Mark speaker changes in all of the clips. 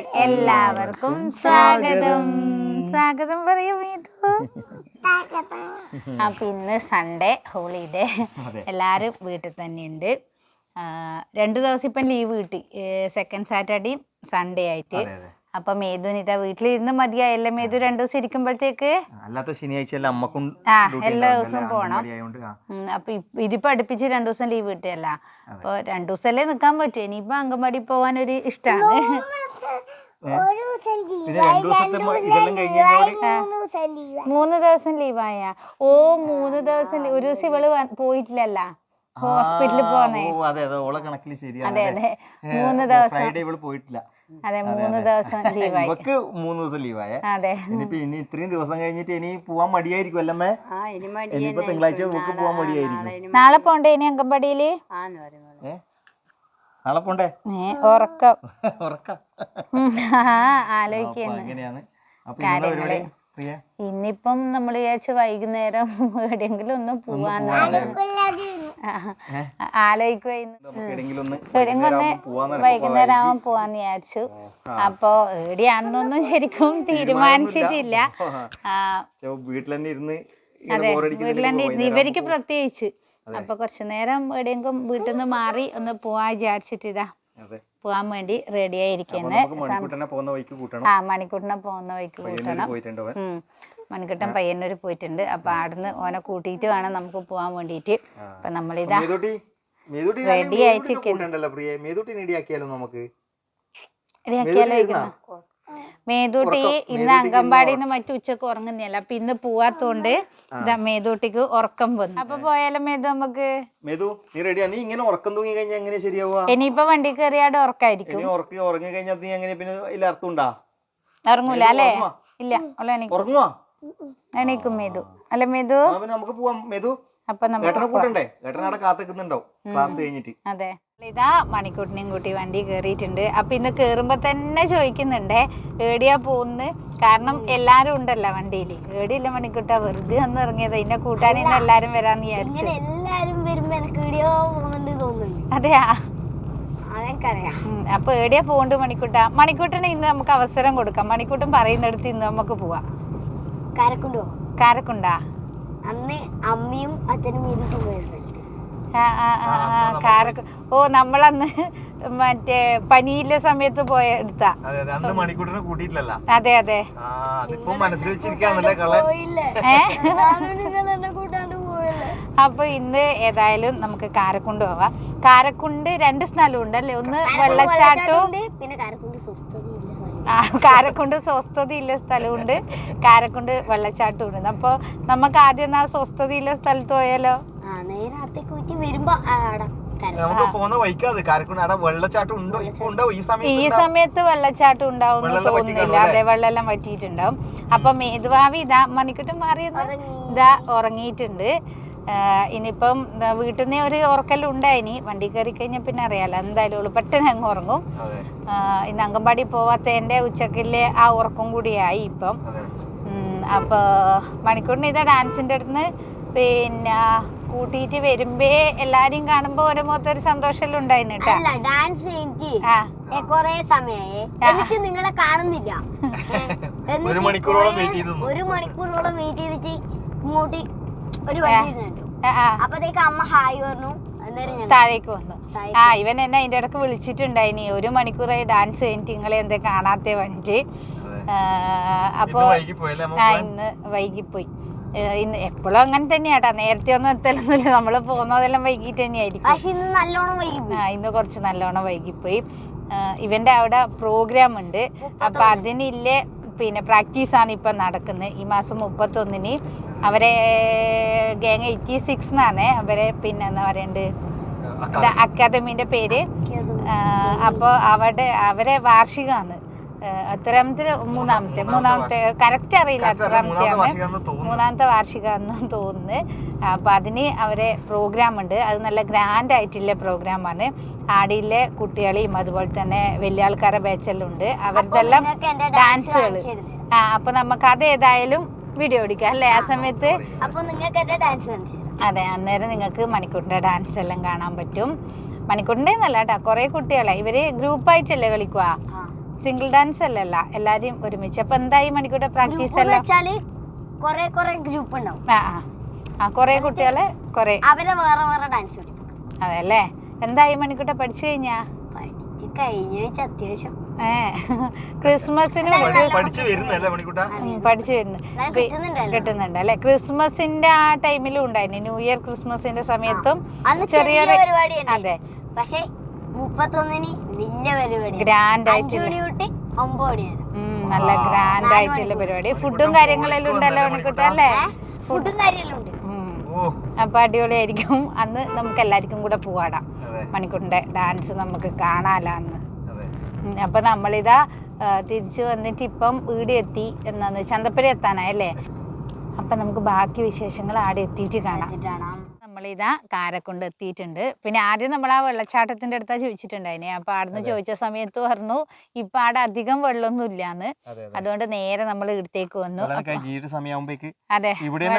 Speaker 1: എല്ലാവർക്കും സ്വാഗതം. സ്വാഗതം പറയൂ മീതു. അപ്പൊ ഇന്ന് സൺഡേ ഹോളിഡേ, എല്ലാരും വീട്ടിൽ തന്നെ ഉണ്ട്. 2 ദിവസം ഇപ്പം ലീവ് കിട്ടി, സെക്കൻഡ് സാറ്റർഡേയും സൺഡേ ആയിട്ട്. അപ്പൊ മേതുന് ഇതാ വീട്ടിലിരുന്ന് മതിയായല്ല മേതു 2 ദിവസം ഇരിക്കുമ്പോഴത്തേക്ക്.
Speaker 2: അല്ലാത്ത ശനിയാഴ്ച
Speaker 1: എല്ലാ ദിവസവും പോണം. അപ്പൊ ഇതിപ്പോ അടുപ്പിച്ച് 2 ദിവസം ലീവ് കിട്ടിയല്ല. അപ്പൊ 2 ദിവസമല്ലേ നിക്കാൻ പറ്റൂ. ഇനിയിപ്പോ അംഗൻവാടി പോവാൻ ഒരു ഇഷ്ടമാണ്. 3 ദിവസം ലീവായ. 3 ദിവസം ഒരു ദിവസം ഇവള് പോയിട്ടില്ലല്ല, ഹോസ്പിറ്റലിൽ പോന്നേ. അതെ അതെ 3 ദിവസം
Speaker 2: പോയിട്ടില്ല.
Speaker 1: അതെ 3 ദിവസം ലീവായി.
Speaker 2: 3 ദിവസം ലീവായ. അതെ ഇനി ഇത്രയും ദിവസം കഴിഞ്ഞിട്ട് ഇനി പോവാൻ മടിയായിരിക്കും അല്ലമ്മേ. ഇനിയിപ്പോ തിങ്കളാഴ്ച പോവാൻ മടിയായിരിക്കും.
Speaker 1: നാളെ പോണ്ടേ ഇനി അംഗൻവാടിയില്?
Speaker 2: നാളെ പോണ്ടേ?
Speaker 1: ഉറക്കം
Speaker 2: ഉറക്കം
Speaker 1: ആലോചിക്കുന്നു കാര്യങ്ങള്. ഇന്നിപ്പം നമ്മൾ വിചാരിച്ച വൈകുന്നേരം എവിടെയെങ്കിലും ഒന്ന് പോവാന്ന് ആലോചിക്കുവായിരുന്നു. വൈകുന്നേരം ആവാൻ പോവാന്ന് വിചാരിച്ചു. അപ്പൊ എവിടെയാണെന്നൊന്നും ശരിക്കും തീരുമാനിച്ചിട്ടില്ല. അതെ വീട്ടിൽ തന്നെ ഇരുന്ന് ഇവർക്ക് പ്രത്യേകിച്ച്. അപ്പൊ കുറച്ചു നേരം എവിടെയെങ്കിലും വീട്ടിൽ നിന്ന് മാറി ഒന്ന് പോവാൻ വിചാരിച്ചിട്ടിതാ പോവാൻ വേണ്ടി റെഡി ആയിരിക്കുന്നത്. മണിക്കൂട്ടിനെ പോകുന്ന വഴിക്ക് കൂട്ടണം. മണിക്കൂട്ടൻ പയ്യന്നൂർ പോയിട്ടുണ്ട്. അപ്പൊ അവിടുന്ന് ഓനെ കൂട്ടിയിട്ട് വേണം നമുക്ക് പോവാൻ വേണ്ടിട്ട്. അപ്പൊ നമ്മളിതാ റെഡി ആയിട്ട് മേതൂട്ടി ഇന്ന് അംഗൻവാടിന്ന് മറ്റു ഉച്ചക്ക് ഉറങ്ങുന്നില്ല. അപ്പൊ ഇന്ന് പോവാത്തോണ്ട് ഇതാ മേതൂട്ടിക്ക് ഉറക്കം വന്നു. അപ്പൊ പോയാലും മേതു നമുക്ക് ഇനിയിപ്പൊ വണ്ടി കയറിയാട് ഉറക്കായിരിക്കും. ഉറങ്ങൂല അല്ലേ? ഇല്ല എണീക്കും മേതു അല്ലെ മേതു. അപ്പൊ അതെ ഇതാ മണിക്കൂട്ടിനെയും കൂട്ടി വണ്ടി കേറിയിട്ടുണ്ട്. അപ്പൊ ഇന്ന് കേറുമ്പോ തന്നെ ചോദിക്കുന്നുണ്ടേ ഏടിയാ പോകുന്നത്. കാരണം എല്ലാരും ഉണ്ടല്ലോ വണ്ടിയില്. ഏടിയില്ല മണിക്കൂട്ടാ, വെറുതെ ഒന്ന് ഇറങ്ങിയത്. ഇതിനെ കൂട്ടാനിന്ന് എല്ലാരും വരാന്ന് വിചാരിച്ചു. അതെയാ അപ്പൊ ഏടിയാ പോണ്ട് മണിക്കൂട്ടാ? മണിക്കൂട്ടിന് ഇന്ന് നമുക്ക് അവസരം കൊടുക്കാം. മണിക്കൂട്ടൻ പറയുന്നിടത്ത് ഇന്ന് നമുക്ക് പോവാം. കാരക്കുണ്ടാ?
Speaker 3: അന്ന് അമ്മയും അച്ഛനും
Speaker 1: നമ്മളന്ന് മറ്റേ പനിയിലെ സമയത്ത് പോയ എടുത്താ. അതെ അതെ അപ്പൊ ഇന്ന് ഏതായാലും നമുക്ക് കാരക്കുണ്ട് പോവാം. കാരക്കുണ്ട് 2 സ്ഥലമുണ്ട് അല്ലേ? ഒന്ന് വെള്ളച്ചാട്ടവും
Speaker 3: പിന്നെ
Speaker 1: കാരക്കുണ്ട് സ്വസ്ഥതയുള്ള സ്ഥലമുണ്ട്, കാരക്കുണ്ട് വെള്ളച്ചാട്ടം ഉണ്ട്. അപ്പൊ നമുക്ക് ആദ്യം ആ സ്വസ്ഥതയുള്ള സ്ഥലത്ത് പോയാലോ? ഈ സമയത്ത് വെള്ളച്ചാട്ടം ഉണ്ടാവും തോന്നുന്നില്ല. അതെ വെള്ളം വറ്റിയിട്ടുണ്ടാവും. അപ്പൊ മേതുവാവി ഇതാ മണിക്കൂട്ടം മാറിയെന്ന് ഇതാ ഉറങ്ങിയിട്ടുണ്ട്. ഇനിയിപ്പം വീട്ടിൽ നിന്ന് ഒരു ഉറക്കലുണ്ടായിനി. വണ്ടി കയറി കഴിഞ്ഞാൽ പിന്നെ അറിയാലോ എന്തായാലും പെട്ടെന്ന് അങ്ങ് ഉറങ്ങും. ഇന്ന് അംഗൻവാടി പോവാത്തതിന്റെ ഉച്ചക്കിലെ ആ ഉറക്കം കൂടിയായി ഇപ്പം. അപ്പൊ മണിക്കൂറിന് ഇതാ ഡാൻസിന്റെ അടുത്ത് പിന്നെ കൂട്ടിയിട്ട് വരുമ്പേ എല്ലാരെയും കാണുമ്പോ ഓരോ മൊത്തൊരു സന്തോഷം ഉണ്ടായിരുന്നു കേട്ടോ.
Speaker 3: ഡാൻസ് കൊറേ സമയായി നിങ്ങളെ കാണുന്നില്ല. 1 മണിക്കൂറോളം വെയിറ്റ് ചെയ്തിട്ട് ഇങ്ങോട്ട് ഒരു വണ്ടി കണ്ടു. അപ്പത്തേക്ക് അമ്മ ഹായ് പറഞ്ഞു.
Speaker 1: താഴേക്ക് വന്നു. ഇവൻ എന്നെ അതിന്റെ ഇടക്ക് വിളിച്ചിട്ടുണ്ടായിനി. 1 മണിക്കൂറായി ഡാൻസ് കഴിഞ്ഞിട്ട് നിങ്ങളെ എന്താ കാണാത്ത വന്നിട്ട്. അപ്പൊ ഇന്ന് വൈകിപ്പോയി. ഇന്ന് എപ്പോഴും അങ്ങനെ തന്നെയാട്ടാ, നേരത്തെ ഒന്നും എത്തലൊന്നുമില്ല. നമ്മള് പോകുന്നതെല്ലാം വൈകിട്ട് തന്നെയായിരിക്കും. ഇന്ന് കുറച്ച് നല്ലോണം വൈകിപ്പോയി. ഇവന്റെ അവിടെ പ്രോഗ്രാം ഉണ്ട്. അപ്പൊ അതിനില്ലേ പിന്നെ പ്രാക്ടീസാണ് ഇപ്പം നടക്കുന്നത്. ഈ മാസം 31-ന് അവരെ ഗാങ് 86 എന്നാണ് അവരെ പിന്നെ എന്താ പറയണ്ട് അക്കാദമിന്റെ പേര്. അപ്പോൾ അവരെ വാർഷികമാണ്. മൂന്നാമത്തെ കറക്റ്റ് അറിയില്ല എത്രാമത്തെയാണ്. 3ാമത്തെ വാർഷികമാണെന്ന് തോന്നുന്നു. അപ്പൊ അതിന് അവരെ പ്രോഗ്രാം ഉണ്ട്. അത് നല്ല ഗ്രാൻഡ് ആയിട്ടുള്ള പ്രോഗ്രാമാണ്. ആടിയിലെ കുട്ടികളെയും അതുപോലെ തന്നെ വലിയ ആൾക്കാരെ ബാച്ചെല്ലാം ഉണ്ട്. അവരുടെല്ലാം ഡാൻസുകൾ. അപ്പൊ നമുക്ക് അത് ഏതായാലും വീഡിയോ എടുക്കാം അല്ലേ ആ സമയത്ത്. അതെ അന്നേരം നിങ്ങൾക്ക് മണിക്കൂറിന്റെ ഡാൻസ് എല്ലാം കാണാൻ പറ്റും. മണിക്കൂറിന്റെ നല്ല കേട്ടോ, കുറെ കുട്ടികളെ ഇവര് ഗ്രൂപ്പായിട്ടല്ലേ കളിക്കുക. സിംഗിൾ ഡാൻസ് അല്ലല്ല, എല്ലാരും ഒരുമിച്ച്. അപ്പൊ എന്തായി മണിക്കൂടെ പ്രാക്ടീസ് എല്ലാം?
Speaker 3: വെച്ചാല് കൊറേ ഗ്രൂപ്പ് ഉണ്ടാവും.
Speaker 1: കൊറേ കുട്ടികളെ കൊറേ
Speaker 3: അവരെ വേറെ വേറെ ഡാൻസ് പഠിപ്പിക്കും.
Speaker 1: അതെല്ലേ. എന്തായി മണിക്കൂട്ടെ പഠിച്ചു കഴിഞ്ഞാ?
Speaker 3: അത്യാവശ്യം
Speaker 1: ക്രിസ്മസിന്
Speaker 2: പഠിച്ചു വരുന്നു
Speaker 1: കിട്ടുന്നുണ്ട് അല്ലെ. ക്രിസ്മസിന്റെ ആ ടൈമിലും ഉണ്ടായിരുന്നു, ന്യൂ ഇയർ ക്രിസ്മസിന്റെ സമയത്തും ചെറിയ
Speaker 3: പരിപാടി.
Speaker 1: അതെ,
Speaker 3: പക്ഷെ 31-ന് വലിയ പരിപാടി,
Speaker 1: ഗ്രാൻഡ് ആയിട്ട്,
Speaker 3: 5 മണി തൊട്ട് 9 മണി വരെ
Speaker 1: നല്ല ഗ്രാൻഡ് ആയിട്ടുള്ള പരിപാടി. ഫുഡും കാര്യങ്ങളെല്ലാം ഉണ്ടല്ലോ മണിക്കൂട്ട അല്ലേ?
Speaker 3: ഫുഡും കാര്യമെല്ലാം ഉണ്ട്.
Speaker 1: അപ്പൊ അടിപൊളിയായിരിക്കും. അന്ന് നമുക്ക് എല്ലാവർക്കും കൂടെ പോവാടാം, മണിക്കൂറിന്റെ ഡാൻസ് നമുക്ക് കാണാലോ അന്ന്. അപ്പൊ നമ്മളിതാ തിരിച്ചു വന്നിട്ട് ഇപ്പം വീട് എത്തി. എന്നാന്ന് ചന്തപ്പുര എത്താനായല്ലേ. അപ്പൊ നമുക്ക് ബാക്കി വിശേഷങ്ങൾ ആടെ എത്തിയിട്ട് കാണാം. നമ്മളിതാ കാരക്കൊണ്ട് എത്തിയിട്ടുണ്ട്. പിന്നെ ആദ്യം നമ്മൾ ആ വെള്ളച്ചാട്ടത്തിന്റെ അടുത്താ ചോദിച്ചിട്ടുണ്ടായിനെ. അപ്പൊ ആടുന്ന് ചോദിച്ച സമയത്ത് പറഞ്ഞു ഇപ്പൊ ആടെ അധികം വെള്ളമൊന്നും ഇല്ലാന്ന്. അതുകൊണ്ട് നേരെ നമ്മൾ ഇവിടത്തേക്ക് വന്നു. അതെ,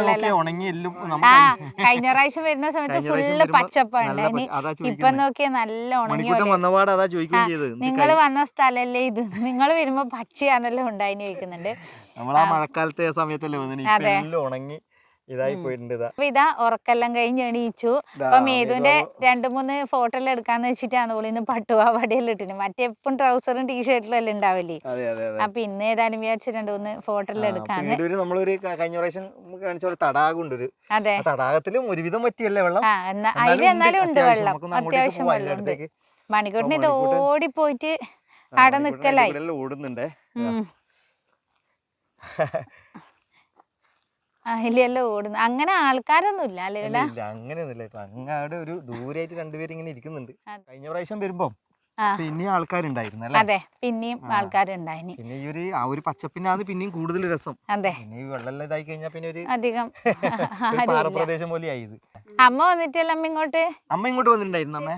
Speaker 1: കഴിഞ്ഞ പ്രാവശ്യം വരുന്ന സമയത്ത് ഫുള്ള് പച്ചപ്പുണ്ടായിന്. ഇപ്പൊ നോക്കിയാ നല്ല ഉണങ്ങി. നിങ്ങൾ വന്ന സ്ഥലല്ലേ ഇത്? നിങ്ങൾ വരുമ്പോ പച്ചയാന്നെല്ലാം ഉണ്ടായിന് ചോദിക്കുന്നുണ്ട്. അതെ, ഇതാ ഉറക്കെല്ലാം കഴിഞ്ഞ് എണീച്ചു. അപ്പൊ മേതുവിന്റെ 2-3 ഫോട്ടോ എല്ലാം എടുക്കാന്ന് വെച്ചിട്ടാണ് പോലും ഇന്ന് പട്ടുപാവാടിയെല്ലാം ഇട്ടിന്. മറ്റേ എപ്പം ട്രൗസറും ടീഷർട്ടിലും എല്ലാം ഉണ്ടാവില്ലേ. അപ്പൊ ഇന്ന് ഏതായാലും വിചാരിച്ചു 2-3 ഫോട്ടോ എല്ലാം എടുക്കാന്ന്. അതെ,
Speaker 2: തടാകത്തിലും ഒരുവിധം പറ്റിയല്ലേ വെള്ളം.
Speaker 1: അതിൽ എന്നാലും ഉണ്ട് വെള്ളം, അത്യാവശ്യം വെള്ളം ഉണ്ട്. മണിക്കൂട്ടിന് ഇത് ഓടിപ്പോയിട്ട് അവിടെ നിക്കലായി.
Speaker 2: ഓടുന്നുണ്ടേ.
Speaker 1: അതിലെല്ലാം ഓടുന്നു. അങ്ങനെ ആൾക്കാരൊന്നും ഇല്ല അല്ലേ?
Speaker 2: അങ്ങനെയൊന്നുമില്ല. ഇപ്പൊ അങ്ങാട് ഒരു ദൂരായിട്ട് രണ്ടുപേരും ഇങ്ങനെ ഇരിക്കുന്നുണ്ട്. കഴിഞ്ഞ പ്രാവശ്യം വരുമ്പോ പിന്നെയും ആൾക്കാരുണ്ടായിരുന്നു അല്ലേ?
Speaker 1: അതെ, പിന്നെയും ആൾക്കാരുണ്ടായിന്.
Speaker 2: പിന്നെ ഈ ആ ഒരു പച്ചപ്പിനാണ് പിന്നെയും കൂടുതൽ രസം.
Speaker 1: അതെ,
Speaker 2: പിന്നെ ഈ വെള്ളം ഇതായി കഴിഞ്ഞാൽ പിന്നെ ഒരു
Speaker 1: അധികം
Speaker 2: പാറപ്രദേശം പോലെ ആയത്.
Speaker 1: അമ്മ വന്നിട്ടല്ല അമ്മ ഇങ്ങോട്ട്?
Speaker 2: അമ്മ ഇങ്ങോട്ട് വന്നിട്ടുണ്ടായിരുന്നു. അമ്മ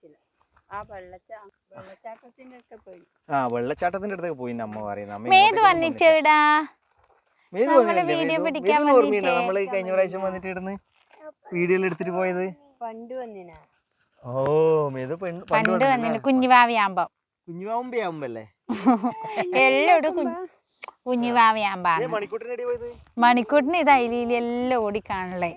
Speaker 2: വെള്ളച്ചാട്ടത്തിന്റെ അടുത്തൊക്കെ പോയി അമ്മ പറയുന്നത്.
Speaker 1: മേത് വന്നിച്ചേടാ, വീഡിയോ പിടിക്കാൻ
Speaker 2: നമ്മള് കഴിഞ്ഞ പ്രാവശ്യം വന്നിട്ട് ഇടുന്ന് വീഡിയോ എടുത്തിട്ട് പോയത്.
Speaker 3: പണ്ട് വന്നിനാ?
Speaker 2: ഓ, മേത്
Speaker 1: പണ്ട് വന്നിന് കുഞ്ഞുവാവിയാകുമ്പോ.
Speaker 2: കുഞ്ഞുവാവുമ്പല്ലേ
Speaker 1: എല്ലോടും കുഞ്ഞുവാവിയാകുമ്പോ. മണിക്കൂട്ടിന് ഇത് അയിലെല്ലാം ഓടിക്കാണല്ലേ.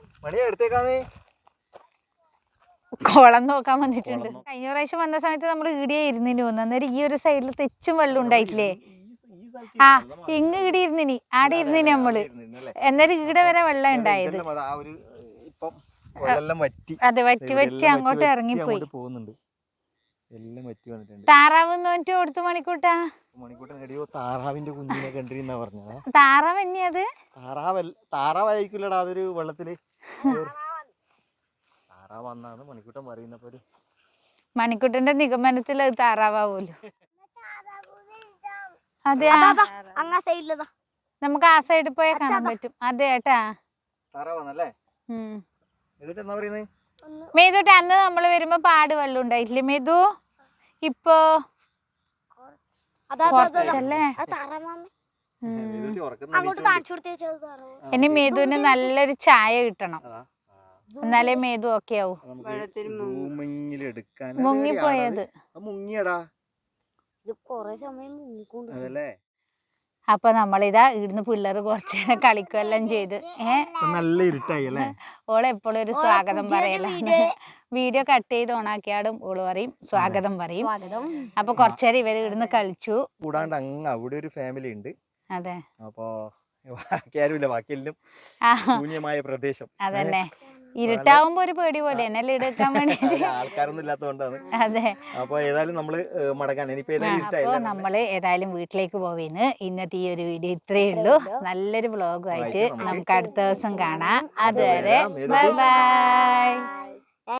Speaker 1: കുളം നോക്കാൻ വന്നിട്ടുണ്ട്. കഴിഞ്ഞ പ്രാവശ്യം വന്ന സമയത്ത് നമ്മൾ ഈടിയെ ഇരുന്നിന് തോന്നുന്നു. അന്നേരം ഈ ഒരു സൈഡിൽ തെച്ചും വെള്ളം ഉണ്ടായിട്ടില്ലേ? ഇങ്ങ് ഈടെ ഇരുന്നിനി, ആടെ ഇരുന്നിനി നമ്മള്. എന്നേരം ഈടെ വരെ വെള്ളം ഉണ്ടായത്. അതെ, വറ്റി അങ്ങോട്ട് ഇറങ്ങിപ്പോയി. താറാവ് നോറ്റ് കൊടുത്തു മണിക്കൂട്ടാ.
Speaker 2: താറാവിന്റെ കുഞ്ഞിനെ കണ്ടിരുന്നാ പറഞ്ഞ.
Speaker 1: താറാവ് തന്നെയത്?
Speaker 2: താറാവായിരിക്കില്ലടാ, അതൊരു വെള്ളത്തില് താറാവന്നാണ് മണിക്കൂട്ടൻ പറയുന്നപ്പോ.
Speaker 1: മണിക്കൂട്ടന്റെ നിഗമനത്തിൽ അത് താറാവൂല്ലോ. അതെ, നമുക്ക് ആ സൈഡിൽ പോയാൽ കാണാൻ പറ്റും. അതെ ഏട്ടാ, മേതുട്ടെ അന്ന് നമ്മള് വരുമ്പോ പാട് വെള്ളം ഉണ്ടായിട്ടില്ലേ മേതു? ഇപ്പൊ കുറച്ചല്ലേ. ഇനി മേതുവിന് നല്ലൊരു ചായ കിട്ടണം, എന്നാലേ മേതു ഓക്കെ ആവൂ. മുങ്ങിപ്പോയത്. അപ്പൊ നമ്മളിതാ ഇവിടുന്ന് പിള്ളേർ കുറച്ച് നേരം കളിക്കുമെല്ലാം ചെയ്ത്.
Speaker 2: നല്ല ഇരുട്ടായി അല്ലേ?
Speaker 1: ഓള് എപ്പോഴും ഒരു സ്വാഗതം പറയലാണ്. വീഡിയോ കട്ട് ചെയ്ത് ഓണാക്കിയാടും ഓള് പറയും സ്വാഗതം പറയും. അപ്പൊ കുറച്ചേരം ഇവര് ഇവിടുന്ന് കളിച്ചു.
Speaker 2: കൂടാണ്ട് അങ്ങ് അവിടെ ഒരു ഫാമിലി ഉണ്ട്.
Speaker 1: അതെ,
Speaker 2: അപ്പൊ ബാക്കിയെല്ലാം ശൂന്യമായ പ്രദേശം.
Speaker 1: അതന്നെ, ഇരുട്ടാവുമ്പോ ഒരു പേടി പോലെ എന്നെല്ലാം എടുക്കാൻ വേണ്ടിട്ട്
Speaker 2: ആൾക്കാരൊന്നും ഇല്ലാത്തതുകൊണ്ടാണ്.
Speaker 1: അതെ,
Speaker 2: അപ്പൊ ഏതായാലും നമ്മള് മടങ്ങാൻ
Speaker 1: അപ്പൊ നമ്മള് ഏതായാലും വീട്ടിലേക്ക് പോവേന്ന്. ഇന്നത്തെ ഈ ഒരു വീഡിയോ ഇത്രയേ ഉള്ളൂ. നല്ലൊരു വ്ളോഗുമായിട്ട് നമുക്ക് അടുത്ത ദിവസം കാണാം. അതുവരെ ബൈ ബൈ.